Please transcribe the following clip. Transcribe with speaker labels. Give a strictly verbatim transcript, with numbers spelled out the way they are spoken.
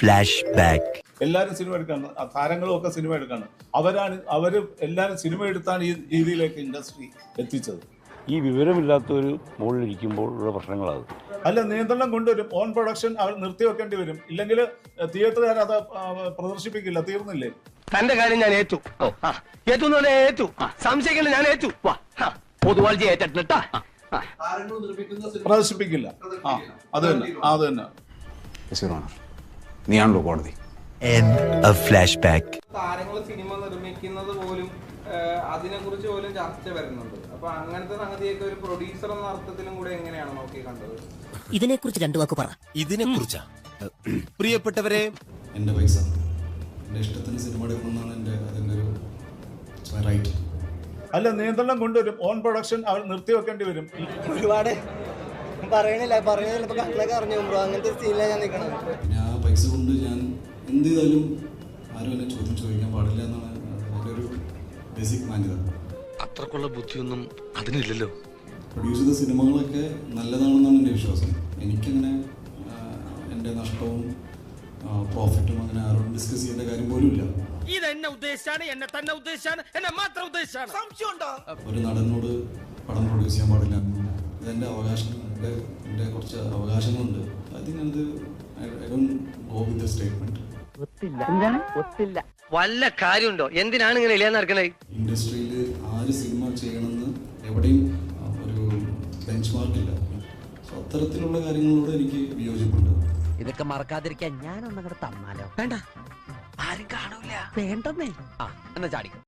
Speaker 1: Flash back.
Speaker 2: എല്ലാവരും cinema എടുക്കാണ്, താരങ്ങളും ഒക്കെ സിനിമ എടുക്കാണ്. അവരാണ് അവർ എല്ലാവരും സിനിമ എടുത്താണ് ഈ രീതിയിലേക്ക് ഇൻഡസ്ട്രി എത്തിച്ചത്.
Speaker 3: ഈ വിവരമില്ലാത്തൊരു മുകളിലിരിക്കുമ്പോൾ ഉള്ള പ്രശ്നങ്ങളത്.
Speaker 2: അല്ല, നിയന്ത്രണം കൊണ്ടുവരും. ഓൺ പ്രൊഡക്ഷൻ അവർ നിർത്തിവെക്കേണ്ടി വരും. ഇല്ലെങ്കിൽ തിയേറ്ററുകാർ അത് പ്രദർശിപ്പിക്കില്ല. തീർന്നില്ലേ?
Speaker 4: തന്റെ കാര്യം ഞാൻ ഏറ്റു ഏറ്റു ഏറ്റു സംശയിക്കേണ്ട ഞാൻ ഏറ്റു. പൊതുവാൾജി ഏറ്റിട്ടാ
Speaker 2: പ്രദർശിപ്പിക്കില്ല. ആ അത് തന്നെ അത് തന്നെ
Speaker 5: നീയാണല്ലോ കോടതി.
Speaker 1: Flash back.
Speaker 6: താരങ്ങൾ സിനിമ നിർമ്മിക്കുന്നത് പോലും അതിനെ കുറിച്ച് പോലും ചർച്ച വരുന്നുണ്ട്. അപ്പൊ അങ്ങനത്തെ സംഗതിയൊക്കെ ഒരു പ്രൊഡ്യൂസർ എന്ന അർത്ഥത്തിലും കൂടെ എങ്ങനെയാണ് നോക്കി കണ്ടത്?
Speaker 7: ഇതിനെ കുറിച്ച് രണ്ടു വാക്ക് പറ.
Speaker 1: ഇതിനെ കുറിച്ചാ പ്രിയപ്പെട്ടവരെ,
Speaker 5: എൻ്റെ പൈസ എൻ്റെ ഇഷ്ടത്തിന് സിനിമ എടുക്കണമെന്നാണ് എൻ്റെ അതിൻ്റെ ഒരു റൈറ്റ്.
Speaker 2: അല്ല, നിയന്ത്രണം കൊണ്ടുവരും. ഓൺ പ്രൊഡക്ഷൻ അവർ നിർത്തിവെക്കേണ്ടി വരും.
Speaker 8: ഒരുപാട് പറയണില്ല പറയുന്നില്ല. ഇപ്പൊ കണ്ണിലൊക്കെ അറിഞ്ഞു ബ്രോ, അങ്ങനത്തെ സീനിലാണ് ഞാൻ നിൽക്കണത്.
Speaker 5: പിന്നെ ആ പൈസ കൊണ്ട് ഞാൻ എന്ത് ചെയ്താലും ആരും എന്നെ ചോദ്യം ചോദിക്കാൻ പാടില്ല എന്നാണ് എൻ്റെ ഒരു ബേസിക് മാന്യത.
Speaker 4: അത്രക്കുള്ള ബുദ്ധിയൊന്നും അതിനില്ലല്ലോ.
Speaker 5: പ്രൊഡ്യൂസ് ചെയ്ത സിനിമകളൊക്കെ നല്ലതാണെന്നാണ് എൻ്റെ വിശ്വാസം. എനിക്കങ്ങനെ എൻ്റെ നഷ്ടവും പ്രോഫിറ്റും അങ്ങനെ ആരോടും ഡിസ്കസ് ചെയ്യേണ്ട കാര്യം പോലും ഇല്ല.
Speaker 4: ഇതെന്നെ ഉദ്ദേശിച്ചാണ്, എന്നെ തന്നെ ഉദ്ദേശിച്ചാണ്, എന്നെ മാത്രം ഉദ്ദേശിച്ചാണ്.
Speaker 5: ഒരു നടനോട് പടം പ്രൊഡ്യൂസ് ചെയ്യാൻ പാടില്ല, ഇതെൻ്റെ അവകാശം, എൻ്റെ എൻ്റെ കുറച്ച് അവകാശങ്ങളുണ്ട്. ഐ തിങ്ക് അത് I don't go with the statement.
Speaker 4: വല്ല കാര്യമുണ്ടോ? എന്തിനാണ് ഇങ്ങനെ ഇല്ലാന്ന് നടക്കണേ?
Speaker 5: ഇൻഡസ്ട്രിയിൽ ആര് സിനിമ ചെയ്യണമെന്ന് എവിടെയും ഒരു ബെഞ്ച് മാർക്കില്ല. സോ അത്തരത്തിലുള്ള കാര്യങ്ങളോട് എനിക്ക് വിയോജിപ്പുണ്ട്.
Speaker 7: ഇതൊക്കെ മറക്കാതിരിക്കാൻ ഞാനൊന്നങ്ങോട്ട് തന്നാലോ? വേണ്ട, ആരും കാണൂല. വേണ്ടെന്നേ. ആ എന്നാ ചാടി.